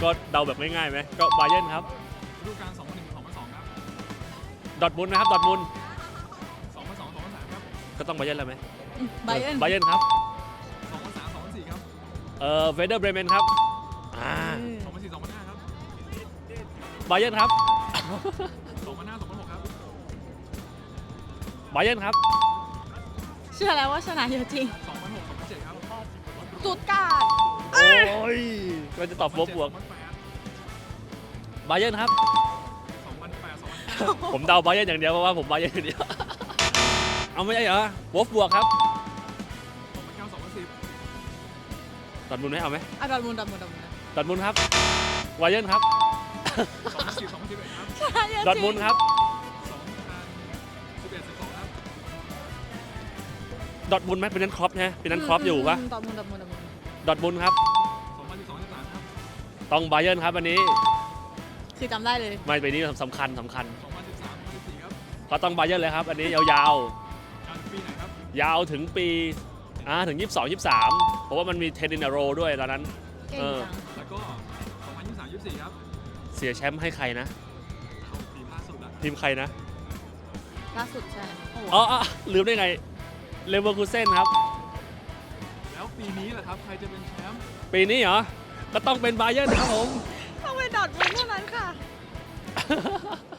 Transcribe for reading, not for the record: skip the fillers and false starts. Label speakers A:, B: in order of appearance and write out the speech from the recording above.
A: ก็เดาแบบง่ายๆไหมก็บาเยิร์นครับ
B: ฤดูกาล 2001-2002 ครับ
A: ดอร์ทมุนด์นะครับดอร์ทมุนด์
B: 2002-2003 ครับ
A: ก็ต้องบาเยิร์นแล้วไหม
C: ไบเอิร์น
A: บาเยิร์นครับ
B: 2003-2004 ครับ
A: เวเดอร์เบรเมนครับ
B: 2004-2005 ครับ
A: บาเยิร์นครับ
B: 2005-2006 ครับ
A: บาเยิร์นครับ
C: เชื่อแล้วว่าชนะเยอะจริง
B: 2006-2007 ครับ
C: สุดการ์ด
A: โอ้ยก็จะตอบวบวก
B: 2008
A: บาเยิร์นครับ
B: 2008-2009
A: ผมเดาบาเยิร์นอย่างเดียวเพราะว่าผมบาเยิร์นอย่างเดียว เอาไม่ใช่เหรอวอฟบวกครับ
B: 2009-2010
A: ดอร์ทมุนด์ไหมเอาไหม
C: อ่ะดอร์ทมุนด์
A: ดอร์ทมุนด์ครับบาเยิร์นครับ
B: 2010-2011 ครับ
C: ชนะเยอะจริง
A: ดอร์ทมุนด์ครับ
B: 2011-12 ครับ
A: ดอร์ทมุนด์ไหมเป็นนั้นครอปนะเป็นนั้นครอปอยู่ปะ
C: ดอร์ทมุนด์
A: ดอร์ทมุนด์ครับ
B: 2012-13 ครับ
A: ต้องบาเยิร์นครับวันนี้
C: คือจำได้เลย
A: ไม่ไปนี้สำคัญ
B: 2013-14 ครับ
A: ก็ต้องบาเยิร์นเลยครับอันนี้ยาว
B: การปีไหนครับ
A: ๆ ยาวถึงปีถึง 22 23 เพราะว่ามันมี10 in a row ด้วยตอนนั้น
C: เก่งจัง
B: แล้วก็ 2023-24 ครับ
A: เสียแชมป์ให้ใครนะ
B: เอาปีล่าสุดอะ
A: ทีมใครนะ
C: ล่าสุดใช่โอ้โห
A: อ๋อลืมได้ไงเลเวอร์คูเซ่นครับ
B: แล้วปีนี้ล่ะครับ ใครจะเป็นแชมป์
A: ปีนี้เหรอ ก็ต้องเป็นบาเยิร์นครับผม
C: ต้องไปดอร์ทมุนด์เท่านั้นค่ะ